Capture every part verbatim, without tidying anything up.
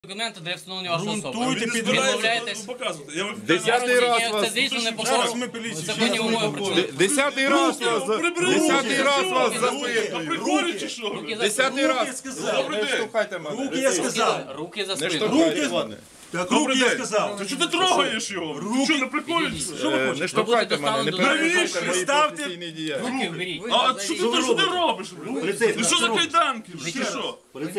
Документи для встановлення вашої особи. Грунтуйте, Ви відмовляєтесь. Десятий раз вас Це дійсно не запитую. по законні умови працює. Десятий раз вас запитую. Десятий раз вас запитую. Приколі чи що? Десятий раз. Добрий Не день. штовхайте мене. Руки я сказав. Руки за Не спину. штовхайте мене. Так, руки я сказав. Та чого ти трогаєш його? Ти що, не приколі? Е, Не штовхайте мене. Не перешкодьте мої Ставте- професійні діяльності. Руки вберіть. А що ти, що ти робиш? Ти що за кайданки? Чи що?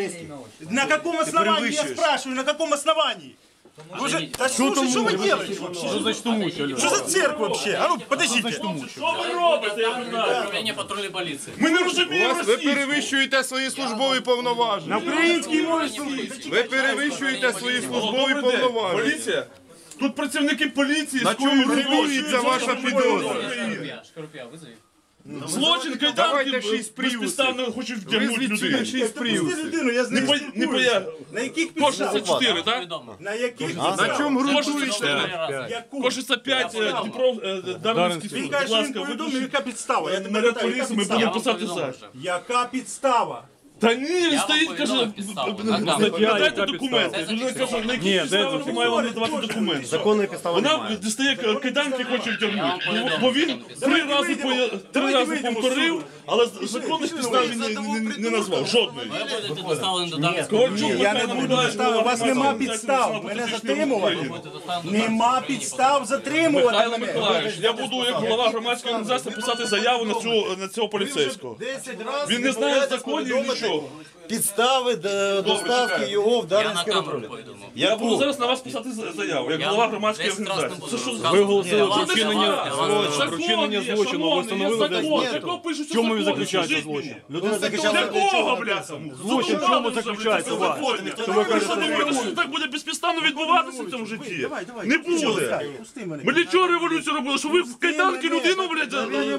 На каком основании, я спрашиваю, на каком основании? Вы же, да слушай, что вы делаете вообще? Что за цирк вообще? А ну, подождите. Що ви робите, я не знаю. Управління патрульної поліції. Ми не У розуміємо вас ви російську. перевищуєте свої службові повноваження. Український мові Ви перевищуєте свої службові Добрий день. повноваження. Поліція? Тут працівники поліції На чому скоюють ґрунтується ваша підозра? Шкарпія, визови. злочин, кайданки, Давайте шість приводів. безпідставно хочуть вдягнути Визвіть сюди людей. шість приводів. людину, я з Не ним по- Не поя... спілкуюся. На яких Кожен за підставах? чотири, так? Відомо. На яких На підставах? чому Кожен за ґрунтуєте? чотири. Яку? Кожен п'ять Дніпро, е, Дарницький суд. Він Будь каже, що він ласка, повідомив, виключіть. яка підстава. Я тебе Наряд питаю, яка поліції, ми підстава? будемо писати повідомив за. вже. Яка підстава? Та ні, він Я стоїть, вам каже, повідомив підставу. На камеру. дайте документи. Це Людина каже, на які Ні, підстави де ви має вам надавати документи. Законної підстави Вона немає. дістає кайданки, хоче втягнути. повідомив, Бо він що три Давайте рази вийдемо. поя- три Давайте рази вийдемо з повторив, суду. але законних підстав він не- не- не назвав. Жодної. Ви будете доставлені до Дарницького. Ковальчук Ні, я не Михайло буду Миколаївич, підстави. У вас голова нема Громадської підстав. організації Мене «Патріотичний затримувати. рух України». Нема підстав затримувати Михайло мене. Миколаївич, я буду як голова громадської організації писати заяву на цього, на цього поліцейського. Він не знає законів нічого. Підстави д- доставки його в Я на Дарницьке камеру управління. повідомив. Я буду зараз на вас писати за- заяву, як Я голова громадської десять раз не організації. буду Це що за розказувати. оголосили Я вас- вчинення я вас- я вас- Закон вчинення є, злочину, шановний, ви встановили є закон, десь якого пишуть В чому він закони, заключається скажіть злочин? мені. Людина захищала Якого, бляха? Злочин в чому заключається ваш? Що ви думаєте, що так буде безпідставно відбуватися в цьому житті? Давай, давай. Не буде. Пусти мене. Ми для чого революцію робили? Що ви в кайданки людину, блядь,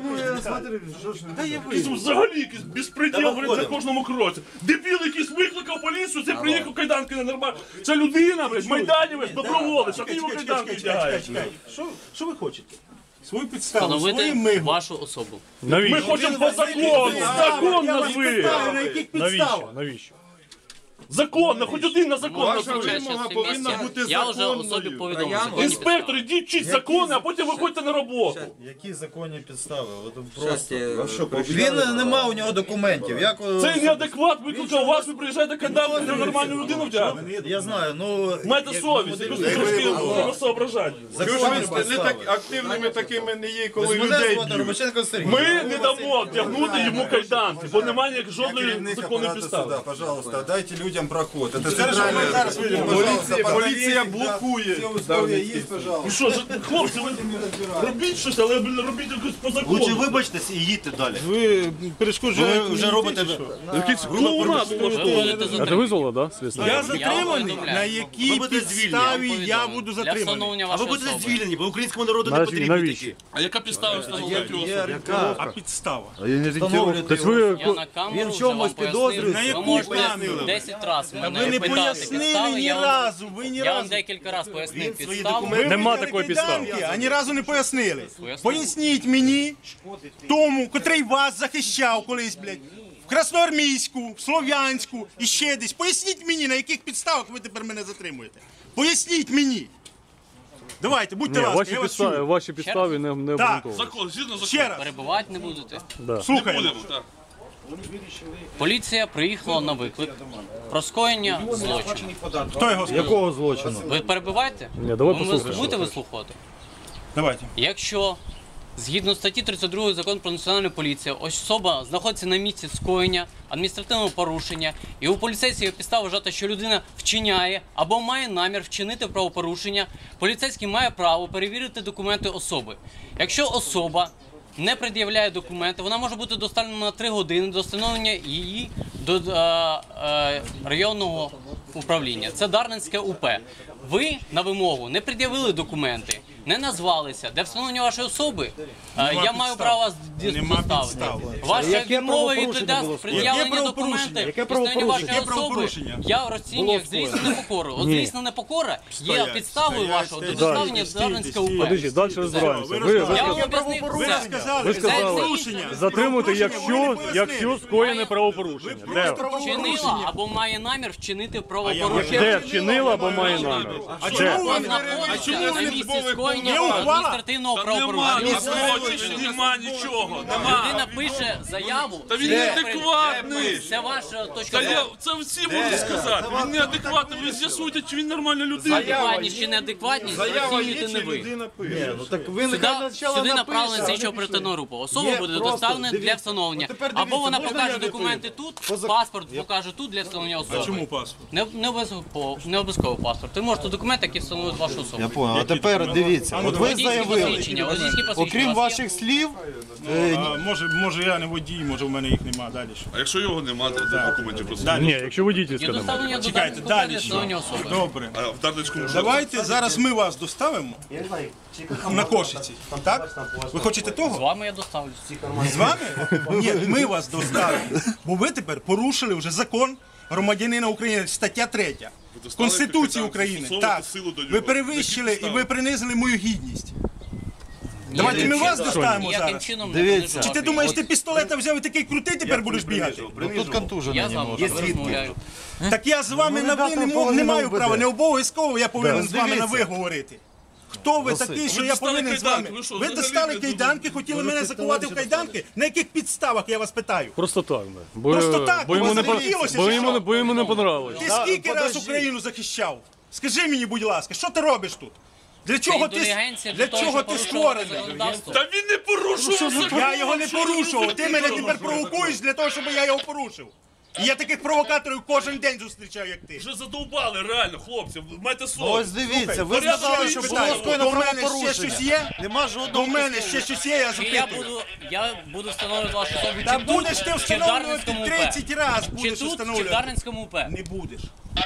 якийсь взагалі якийсь безпреділ, блядь, на кожному кроці. Дебіл якийсь викликав поліцію, це приїхав кайданки на нормально. Це людина, блядь, майданівець, доброволець, а ти йому Чекай, кайданки чекай, чекай, вдягаєш. чекай. Що- Що ви хочете? Свою підставу, свої Встановити мигу. вашу особу. Ми Навіщо? хочемо по закону, закон Я вас назви. питаю, на яких Навіщо? підставах? Навіщо? Закон, на хоч один на закон Ваша назви. вимога повинна бути Я вже особі законною. повідомив. законні Інспектор, ідіть вчіть закони, а потім виходьте на роботу. Які законні підстави? Він не мав у нього документів. Як е, Це неадекват викликав вас, ви приїжджаєте кайданки, на нормальну людину вдягати. я знаю, ну Майте совість, якось трошки треба соображати. Чого ж ви не так активними такими не є, коли мене людей звати б'ють? Робоченко Сергій. Ми не дамо втягнути йому кайданки, бо немає ніяк жодної Керівник законної апарату підстави. суда, пожалуйста, дайте людям проход. Это Зараз центральная... вийдемо. Пожалуйста, Поліція, подавите, поліція да, блокує. все условия есть, пожалуйста. Ну що, ж, хлопці, ви робіть щось, але блін, робіть якось по Лучше закону. вибачтесь і їдьте далі. Ви перешкоджуєте. Ви вже робите... Якийсь клоунад Ви будете затримані. визвало, да, слідство? Я Я затриманий? повідомляю. На якій Ви будете підставі Я я повідомив. буду Для затриманий? встановлення А ви вашої будете особи. звільнені, бо українському народу не Навіщо? потрібні Навіщо? такі. А яка підстава встановлювати його особу? А підстава? Тобто ви... Я на камеру Він в вже чомусь вам пояснив. підозрюється? На Ви яку можете камеру? десять разів мене Ви не питати пояснили підстави, ні я вам- разу, ви ні Я вам разу. декілька разів пояснив свої підставу. документи- Ви Нема витягли такої підстави. кайданки, а ні разу не пояснили. Пояснив. Поясніть мені, тому, котрий вас захищав колись, блядь, в Красноармійську, в Слов'янську і ще десь. Поясніть мені, на яких підставах ви тепер мене затримуєте. Поясніть мені. Давайте, будьте Ні, ласка, ваші я вас підстави, чую. ваші підстави не, не Так. обґрунтовані. Закон, згідно закону. Ще раз, Перебувати не будете. слухаємо. Будемо, так. Поліція приїхала на виклик про скоєння злочину. Хто його сказав? Якого злочину? Ви перебуваєте? Ні, давай Ви послухаємо. будете вислухати? Давайте. Якщо згідно статті тридцять два Закону про національну поліцію, особа знаходиться на місці скоєння адміністративного порушення, і у поліцейського є підстава вважати, що людина вчиняє або має намір вчинити правопорушення, поліцейський має право перевірити документи особи. Якщо особа не пред'являє документи, вона може бути доставлена на три години до встановлення її до е, е, районного управління. Це Дарницьке УП. Ви на вимогу не пред'явили документи. не назвалися, для встановлення вашої особи, е, я підстав. маю право вас ді- Нема доставити. підстав. Ваша Яке відмова від правопорушення було пред'явлення Яке правопорушення? документів, Яке встановлення правопорушення? вашої Яке особи, правопорушення? я розцінюю як злісну непокору. От Ні. злісна непокора є Стоять, підставою стоять, вашого до стоять, доставлення стійте, Дарницького стійте, УП. Подождіть, далі розбираємося. Ви Ви, Я ви, вам Яке об'яснив правопорушення? все. Ви сказали, ви сказали, правопорушення. затримуйте, Правопорушення, якщо, ви не пояснили. якщо скоєне правопорушення. Ви Де? просто Вчинила або має намір вчинити я правопорушення. Де вчинила або має намір? А Де? чому ви Знаходиться чому на ви місці службових скоєння Є ухвала? адміністративного Та нема правопорушення. ніхто, нема нічого, нема. Людина пише заяву. Та він це- неадекватний. Це ваша точка Та я, зору. це всі можуть сказати. Він неадекватний. Ви з'ясуйте, чи він нормальна людина. Адекватність чи неадекватність розцінюєте не ви. Ну так ви Сюди, нехай спочатку сюди напишете, направлена а слідчо не оперативна група. Особа Є буде просто, доставлена для дивіться. встановлення. От тепер Або дивіться, вона можна покаже я не документи прийду? тут, Поза- паспорт покаже тут для встановлення особи. Чому паспорт? Не, не обов'язково не обов'язково паспорт. Ви можете документи, які встановлюють вашу особу. Я понял. А тепер дивіться, от ви Водійські заявили, посвідчення, водійські посвідчення. окрім У вас є? ваших слів, е, А, може, може я не водій, може в мене їх нема далі. що? А якщо його немає, то документів просто. Далі. ні, якщо водительська Є немає. доставлення до Чекайте, Дарницького далі для що? встановлення особи. Добре. А в Дарницькому вже. Давайте зараз ми вас доставимо на Кошиці. Так? Ви хочете З того? вами я доставлю. З вами? Ні, ми вас доставимо. Бо ви тепер порушили вже закон громадянина України, стаття третя. доставили Конституції капітан, України. застосовувати Так. силу до нього. Ви перевищили Які і ви підстави? принизили мою гідність. Давайте ми вас доставимо Ніяким зараз. чином не Дивіться. понижу Чи ти вашу думаєш, ти гідність. пістолета взяв і такий крутий тепер будеш бігати? Тут контужений Я з вами немножко. розмовляю. Так я з вами Ну, на ви ребята, не, мо- половина не маю УБД. права, не обов'язково я повинен Да, з вами на ви дивіться. говорити. Хто ви Василь. такий, що Ви я достали повинен з вами? кайданки, ви що, Ви взагалі достали не кайданки, хотіли мене закувати в кайданки? На яких підставах, я вас питаю? Просто так, да. Бо, Просто так, бо йому бо не, по- захотілося, бо чи йому, що? не- бо йому не понравилось. Ти скільки раз Україну захищав? Скажи мені, будь ласка, що ти робиш тут? Для чого ти, Індулігенція для того, чого щоб ти порушувати створений? законодавство. Та він не порушував закон. Я його не Що ви порушував, ти мене робите? тепер провокуєш для того, щоб я його порушив. І я таких провокаторів кожен день зустрічаю, як ти. Вже задовбали, реально, хлопці. Майте Ось совість. дивіться, ви порядок сказали, ще що питаю. було скоєно До мене ще правопорушення. щось є? Нема До жодного. мене ще щось є, я Чи я запитую. буду, я буду встановлювати вашу особу Та чи будеш тут, ти чи в встановлювати Дарницькому УП. тридцять разів, Чи будеш тут, чи в встановлювати. Дарницькому УП. Не будеш.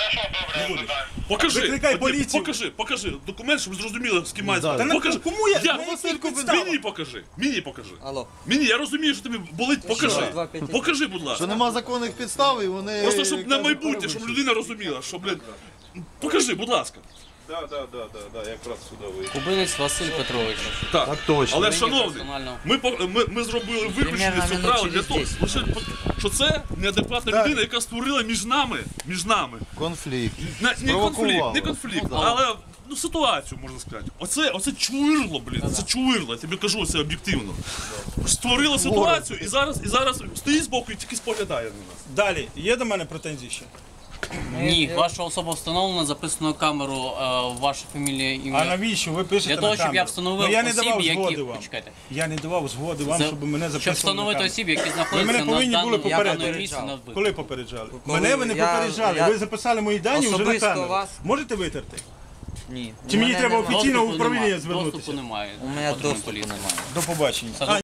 Не будеш. Покажи, Викликай От, поліцію. покажи, покажи документ, щоб зрозуміли, з ким має Та справу. на Покажи. кому я? Я- На яких підставах? Мені покажи, мені покажи. Алло. Мені, я розумію, що тобі болить, покажи. Покажи, будь ласка. Що нема законних підстав і вони... Просто щоб на кажуть, майбутнє, щоб перевищують. людина розуміла, що, блін, покажи, будь ласка. Да, да, да, да, да, якраз сюди вийшов. Кубинець Василь Петрович. Так, Так точно. Але, Мені шановний, персонально. ми, по- ми, ми зробили виключення Примерно з цього минут правила для через того, десять. лише, по- що це неадекватна людина, яка створила між нами, між нами, Конфлікт. не, не конфлікт, Спровокувала. не конфлікт, але ну, ситуацію, можна сказати. Оце, оце чвирло, блін, це чвирло, я тобі кажу це об'єктивно. Створила ситуацію і зараз, і зараз стоїть збоку і тільки споглядає на нас. Далі, є до мене претензії ще? Ні, ваша особа встановлена, записано на камеру, е, ваша фамілія, А ім'я. навіщо ви пишете Для того, на щоб я камеру? встановив Ну, я не осіб, давав які- згоди вам. Почекайте. Я не давав згоди вам, За- щоб мене Щоб записували на встановити камеру. осіб, які Ви знаходяться мене на повинні були даному, попередити. даному місці на вбивстві. Коли попереджали? Коли Мене ви не я- попереджали, я- ви записали мої дані вже на Особисто камеру. вас? Можете витерти? Ні. Чи У мені мене треба нема. офіційно в Доступу управління немає. звернутися? Доступу немає. У мене Патрульної доступу поліції. немає. До побачення. Все,